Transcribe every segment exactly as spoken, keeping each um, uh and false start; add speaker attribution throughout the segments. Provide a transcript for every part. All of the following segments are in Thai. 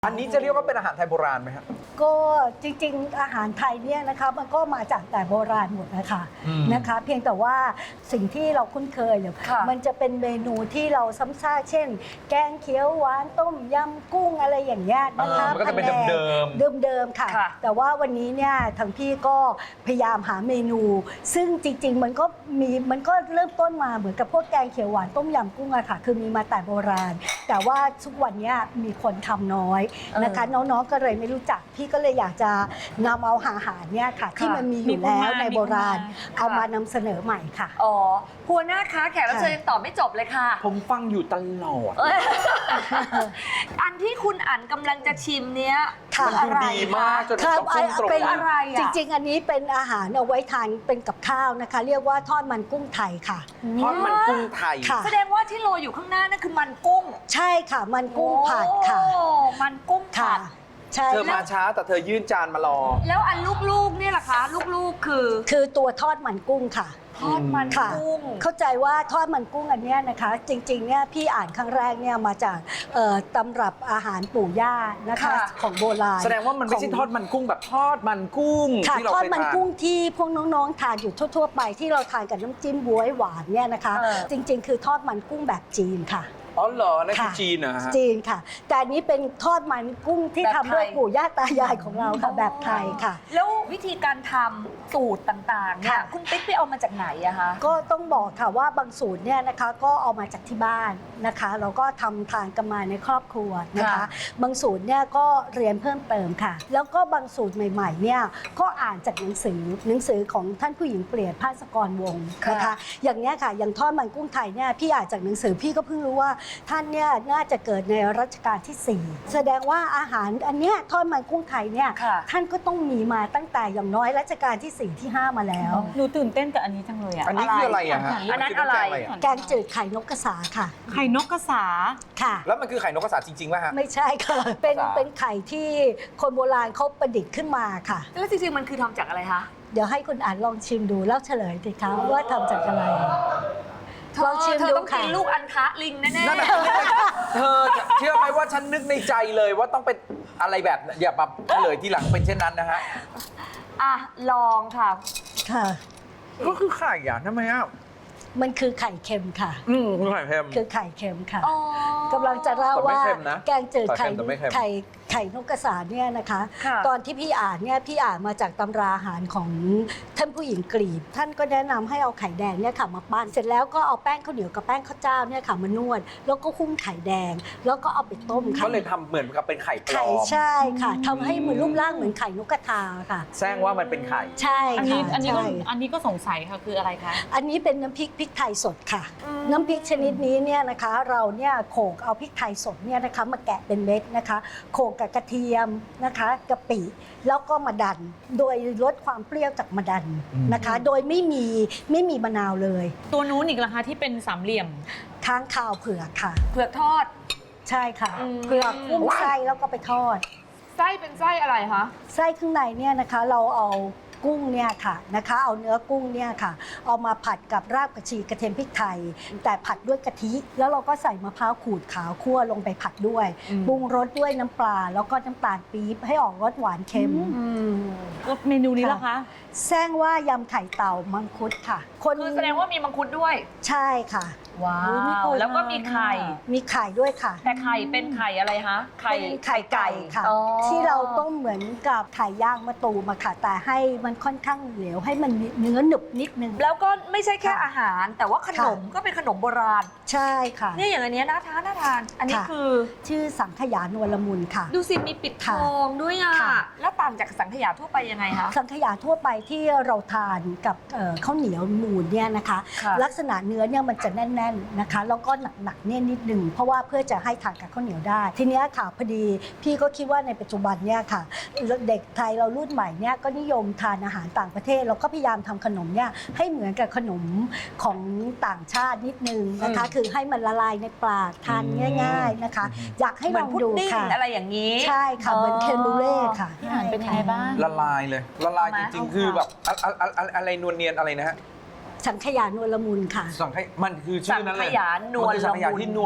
Speaker 1: อันนี้จะเรียกว่าเป็นอาหารไทยโบราณไหมครับ
Speaker 2: ก็จริงๆอาหารไทยเนี่ยนะคะมันก็มาจากแต่โบราณหมดนะคะนะคะเพียงแต่ว่าสิ่งที่เราคุ้นเคยเนี่ยมันจะเป็นเมนูที่เราซ้ำซากเช่น แกงเขียวหวานต้มยำกุ้งอะไรอย่างเงี้ยนะคะ
Speaker 1: มันก็จะเป็นเดิม
Speaker 2: เดิมๆค่ะแต่ว่าวันนี้เนี่ยทางพี่ก็พยายามหาเมนู ซึ่งจริงๆมันก็มีมันก็เริ่มต้นมาเหมือนกับพวกแกงเขียวหวานต้มยำกุ้งอะค่ะคือมีมาแต่โบราณแต่ว่าทุกวันนี้มีคนทำน้อยนะคะน้องๆก็เลยไม่รู้จักพี่ก็เลยอยากจะนำเอาอาหารเนี่ยค่ะที่มันมีอยู่แล้วในโบราณเอามานำเสนอใหม่ค่ะ
Speaker 3: อ๋อหัวหน้าคะแขกรับเชิญยังตอบไม่จบเลยค่ะ
Speaker 1: ผมฟังอยู่ตลอด
Speaker 3: อันที่คุณอั๋นกำลังจะชิมเนี้ย
Speaker 1: มันดูดีมากจนต้องพุ่งตรง
Speaker 2: เป็นอะไรจริงๆอันนี้เป็นอาหารเอาไว้ทานเป็นกับข้าวนะคะเรียกว่าทอดมันกุ้งไทยค่ะ
Speaker 1: ทอดมันกุ้งไทย
Speaker 3: แสดงว่าที่โรยอยู่ข้างหน้านั่นคือมันกุ้ง
Speaker 2: ใช่ค่ะมันกุ้งผัดค่ะ
Speaker 3: มันกุ้งผัด
Speaker 1: เธอมาช้าแต่เธอยื่นจานมารอ
Speaker 3: แล้วอันลูกๆเนี่ยล่ะคะลูกๆคือ
Speaker 2: คือตัวทอดมันกุ้งค่ะ
Speaker 3: ทอดมันกุ้ง
Speaker 2: เข้าใจว่าทอดมันกุ้งอันนี้นะคะจริงๆเนี่ยพี่อ่านครั้งแรกเนี่ยมาจากตำรับอาหารปู่ย่านะคะของโบราณ
Speaker 1: แสดงว่ามันไม่ใช่ทอดมันกุ้งแบบทอดมันกุ้งที่เรา
Speaker 2: เคยทานทอดมันกุ้งที่พวกน้องๆทานอยู่ทั่วๆไปที่เราทานกับน้ำจิ้มบ๊วยหวานเนี่ยนะคะจริงๆคือทอดมันกุ้งแบบจีนค่ะ
Speaker 1: อ๋อเหรอนั่นคือจีนนะฮะ
Speaker 2: จีนค่ะแต่อันนี้เป็นทอดมันกุ้งที่ทำด้วยปู่ย่าตายายของเราค่ะแบบไทยค่ะ
Speaker 3: แล้ววิธีการทำสูตรต่างๆเนี่ยคุณติ๊กไปเอามาจากไหนอะคะ
Speaker 2: ก็ต้องบอกค่ะว่าบางสูตรเนี่ยนะคะก็เอามาจากที่บ้านนะคะเราก็ทำทานกันมาในครอบครัวนะคะบางสูตรเนี่ยก็เรียนเพิ่มเติมค่ะแล้วก็บางสูตรใหม่ๆเนี่ยก็อ่านจากหนังสือหนังสือของท่านผู้หญิงเปลี่ยนภาสกรวงศ์นะคะอย่างนี้ค่ะอย่างทอดมันกุ้งไทยเนี่ยพี่อ่านจากหนังสือพี่ก็เพิ่งรู้ว่าท่านเนี่ยน่าจะเกิดในรัชกาลที่สี่แสดงว่าอาหารอันเนี้ยทอดมันกุ้งไทยเนี่ยท่านก็ต้องมีมาตั้งแต่อย่างน้อยรัชกาลที่สี่ที่ห้ามาแล้ว
Speaker 4: หนูตื่นเต้นกับอันนี้จังเลยอ่ะ
Speaker 1: อันนี้คืออะไรอะฮะ
Speaker 3: อันนั้นอะไร
Speaker 2: แกงจืดไข่นกกระสาค่ะ
Speaker 4: ไข่นกกระสา
Speaker 2: ค่ะ
Speaker 1: แล้วมันคือไข่นกกระสาจริงๆป่ะฮะ
Speaker 2: ไม่ใช่ค่ะเป็นเป็นไข่ที่คนโบราณเขาประดิษฐ์ขึ้นมาค่ะ
Speaker 3: แล้วจริงๆมันคือทำจากอะไรคะ
Speaker 2: เดี๋ยวให้คุณอ่านลองชิมดูแล้วเฉลยสิคะว่าทำจากอะไร
Speaker 3: ลองชิมดูต้องกินลูกอันทะลิงแน่ๆ
Speaker 1: นั่นแหละเธอเชื่อไหมว่าฉันนึกในใจเลยว่าต้องเป็นอะไรแบบอย่าแบบเฉลยทีหลังเป็นเช่นนั้นนะฮะ
Speaker 3: อ่ะลองค่ะ
Speaker 2: ค่ะ
Speaker 1: ก็คือไข่อ่ะทำไมอ่ะ
Speaker 2: มันคือไข่เค็มค่ะ
Speaker 1: อืมคือไข่เค็ม
Speaker 2: คือไข่เค็มค่ะกำลังจะเล่าว่าแกงจืดไข่ไข่ไข่นกกระสาเนี่ยนะคะตอนที่พี่อ่านเนี่ยพี่อ่านมาจากตำราอาหารของท่านผู้หญิงกรีกท่านก็แนะนำให้เอาไข่แดงเนี่ยค่ะมาปั้นเสร็จแล้วก็เอาแป้งข้าวเหนียวกับแป้งข้าวเจ้าเนี่ยค่ะมานวดแล้วก็หุ้มไข่แดงแล้วก็เอาไปต้มค่ะ
Speaker 1: ก็เลยทำเหมือนกับเป็นไข่ปลอม
Speaker 2: ไข่ใช่ค่ะทำให้เหมือนรูปร่างเหมือนไข่นกกระทาค่ะ
Speaker 1: แซงว่ามันเป็นไข่
Speaker 2: ใช่
Speaker 4: อันนี้อันนี้ก็อันนี้ก็สงสัยค่ะคืออะไรคะ
Speaker 2: อันนี้เป็นน้ำพริกพริกไทยสดค่ะน้ำพริกชนิดนี้เนี่ยนะคะเราเนี่ยโขลกเอาพริกไทยสดเนี่ยนะคะมาแกะเป็นเม็ดนะคะโขลกกับกระเทียมนะคะกะปิแล้วก็มาดันโดยลดความเปรี้ยวจากมาดันนะคะโดยไม่มีไม่มีมะนาวเลย
Speaker 4: ตัวนู้นอีกราคาที่เป็นสามเหลี่ยม
Speaker 2: ค้างคาวเผือกค่ะ
Speaker 3: เผือกทอด
Speaker 2: ใช่ค่ะเผือกกุ้งไส้แล้วก็ไปทอด
Speaker 3: ไส้เป็นไส้อะไรคะ
Speaker 2: ไส้ข้างในเนี่ยนะคะเราเอากุ้งเนี่ยค่ะนะคะเอาเนื้อกุ้งเนี่ยค่ะเอามาผัดกับรากผักชีกระเทียมพริกไทยแต่ผัดด้วยกะทิแล้วเราก็ใส่มะพร้าวขูดขาวคั่วลงไปผัดด้วยปรุงรสด้วยน้ำปลาแล้วก็น้ำตาลปี๊บให้ออกรสหวานเค็ม
Speaker 4: เมนูนี้ล่ะคะ
Speaker 2: แซงว่ายำไข่เต่ามังคุดค่ะ
Speaker 3: คนคือแสดงว่ามีมังคุดด้วย
Speaker 2: ใช่ค่ะ
Speaker 3: ว้าวแล้วก็มีไข่
Speaker 2: มีไข่ด้วยค่ะ
Speaker 3: แต่ไข่เป็นไข่อะไรคะไข่
Speaker 2: ไข่ไก่ค่ะที่เราต้มเหมือนกับไข่ย่างมะตูมอะค่ะแต่ให้มันค่อนข้างเหลวให้มันเนื้อหนึบนิดนึง
Speaker 3: แล้วก็ไม่ใช่แค่อาหารแต่ว่าขนมก็เป็นขนมโบราณ
Speaker 2: ใช่ค่ะ
Speaker 3: นี่อย่างอันนี้น่าทานน่าทานอันนี้คือ
Speaker 2: ชื่อสังขยานวลมุนค่ะ
Speaker 3: ดูสิมีปิดทองด้วยอ่ะแล้วต่างจากสังขยาทั่วไปยังไงคะ
Speaker 2: สังขยาทั่วไปที่เราทานกับข้าวเหนียวมูนเนี่ยนะคะลักษณะเนื้อเนี่ยมันจะแน่นๆนะคะแล้วก็หนักๆเนี่ยนิดนึงเพราะว่าเพื่อจะให้ทานกับข้าวเหนียวได้ทีนี้ค่ะพอดีพี่ก็คิดว่าในปัจจุบันเนี่ยค่ะเด็กไทยเรารุ่นใหม่เนี่ยก็นิยมทานอาหารต่างประเทศเราก็พยายามทำขนมเนี่ยให้เหมือนกับขนมของต่างชาตินิดนึงนะคะคือให้มันละลายในปากทานง่ายๆนะคะอยากให้ลองดูค่ะ
Speaker 3: อะไรอย่างนี้
Speaker 2: ใช่ค่ะเหมือนเคนบูเล่ค่ะ
Speaker 4: เป็นยังไงบ้าง
Speaker 1: ละลายเลยละลายจริงๆคือแบบอะไรนวลเนียนอะไรนะฮะ
Speaker 2: สังขยานวลมุนค่ะ
Speaker 1: สังขยามันคือชื่อนั้นเลย
Speaker 3: สังขยานวล
Speaker 1: สังขยาที่นวล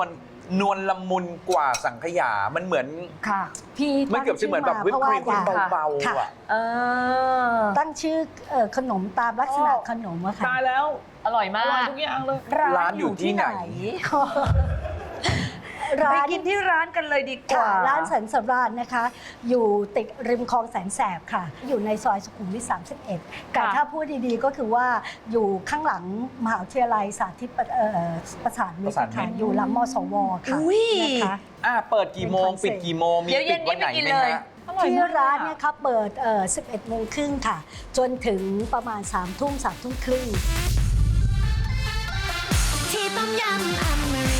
Speaker 1: นวลละมุนกว่าสังขยา มันเหมือน
Speaker 3: ค่ะ
Speaker 2: พี่
Speaker 1: มันเกือบจะเหมือนแบบวิปครีม
Speaker 2: เพราะว่า
Speaker 1: เบา
Speaker 2: ค่ะ
Speaker 1: ๆอ่ะ
Speaker 3: เออ
Speaker 2: ตั้งชื่อเอ่อขนมตามลักษณะ
Speaker 4: โอ้
Speaker 2: ขนมอะค่ะ
Speaker 4: ตายแล้ว
Speaker 3: อร่อย
Speaker 4: อ
Speaker 3: มา
Speaker 4: ร่อย
Speaker 3: ก
Speaker 4: ทุกอย่างเลย
Speaker 1: ร้านอยู่ที่ไหน
Speaker 2: ร้า
Speaker 3: ไป
Speaker 2: น
Speaker 3: กินที่ร้านกันเลยดีกว่า
Speaker 2: ค่ะร้านสันสำราญนะคะ อยู่ติดริมคลองแสนแสบค่ะ อยู่ในซอยสุขุมวิทสามสิบเอ็ดแต่ถ้าพูดดีๆก็คือว่าอยู่ข้างหลังมหาวิทยาลัยสาธิตประเอ่อประสานมิต
Speaker 1: ประสาน
Speaker 2: ร
Speaker 1: มิ
Speaker 2: ค่ะ
Speaker 1: ตร
Speaker 2: อยู่หลังมสวค่ะ
Speaker 3: อุ๊ย
Speaker 2: นะคะ
Speaker 1: อ่ะเปิดกี่โมง
Speaker 2: เป็นคอนเซ็
Speaker 1: ปิ
Speaker 2: ป
Speaker 1: ด
Speaker 2: ต์
Speaker 1: กี่โมง มี
Speaker 3: เดี๋ยวเย็
Speaker 1: ปิ
Speaker 3: น
Speaker 1: ดวันไหน
Speaker 3: นี้ไปกิน
Speaker 1: ไหม
Speaker 3: เลย
Speaker 1: ฮะ
Speaker 4: อร่อย
Speaker 2: ที่
Speaker 4: มาก
Speaker 2: ร้าน
Speaker 4: อะ
Speaker 2: เนี่ยครับเปิดเอ่อสิบเอ็ดโมงครึ่งค่ะ จนถึงประมาณสามทุ่มสามทุ่มครึ่ง
Speaker 5: ที่ต้มยำอเมริ